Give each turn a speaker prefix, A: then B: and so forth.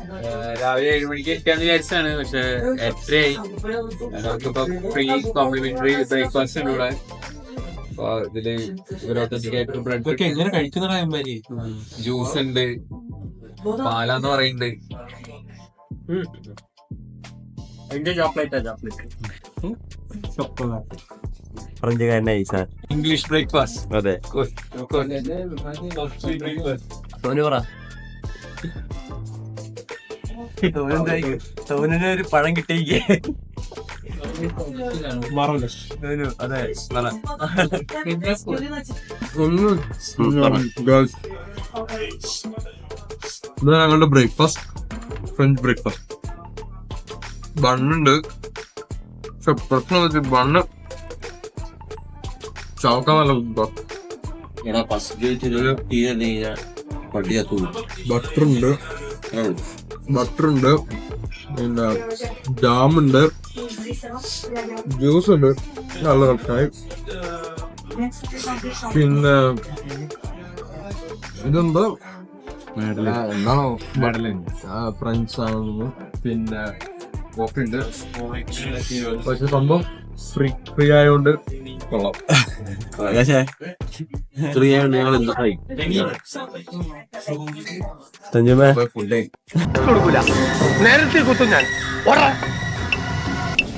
A: രാവിലെ 7 മണിക്ക് എത്താന്ന് വിചാരിച്ചാണ്, പക്ഷെ 8:30 നമുക്കിപ്പോ ഫ്രീ കോംപ്ലിമെന്ററി ബ്രേക്ക്ഫാസ്റ്റ് ഉണ്ട് ഇവിടെ. അപ്പൊ ഇതില് ഒത്തന്റിക് ആയിട്ട് ബ്രെഡ്
B: എങ്ങനെ കഴിക്കുന്ന
A: ജ്യൂസ് ഉണ്ട്, പാലാന്ന് പറയുന്നുണ്ട്.
C: ഫ്രഞ്ചുകാരനായി സാർ.
A: English breakfast.
C: അതെ, സോനു പറ. സോനിന് ഒരു പഴം കിട്ടിയിരിക്കേ. അതെ,
B: ഞങ്ങളുടെ ബ്രേക്ക്ഫാസ്റ്റ് ഫ്രഞ്ച് ബ്രേക്ക്ഫാസ്റ്റ്. ബണ്ണുണ്ട്, പക്ഷെ പ്രശ്നം വെച്ച് ബണ്ണ് ചവക്കാൻ നല്ല ബട്ടറുണ്ട്, പിന്നെ ജാമുണ്ട്, ജ്യൂസ് ഉണ്ട്, നല്ല കഷ്ടായി. പിന്നെ ഇതെന്താ എന്നാണോ ഫ്രഞ്ച് ആണെന്ന്. പിന്നെ കോഫി ഉണ്ട്, പക്ഷെ സംഭവം ഫ്രീ ആയതുകൊണ്ട് കൊള്ളാം.
C: സഞ്ജുമേ
D: നേരത്തെ കുത്തും ഞാൻ.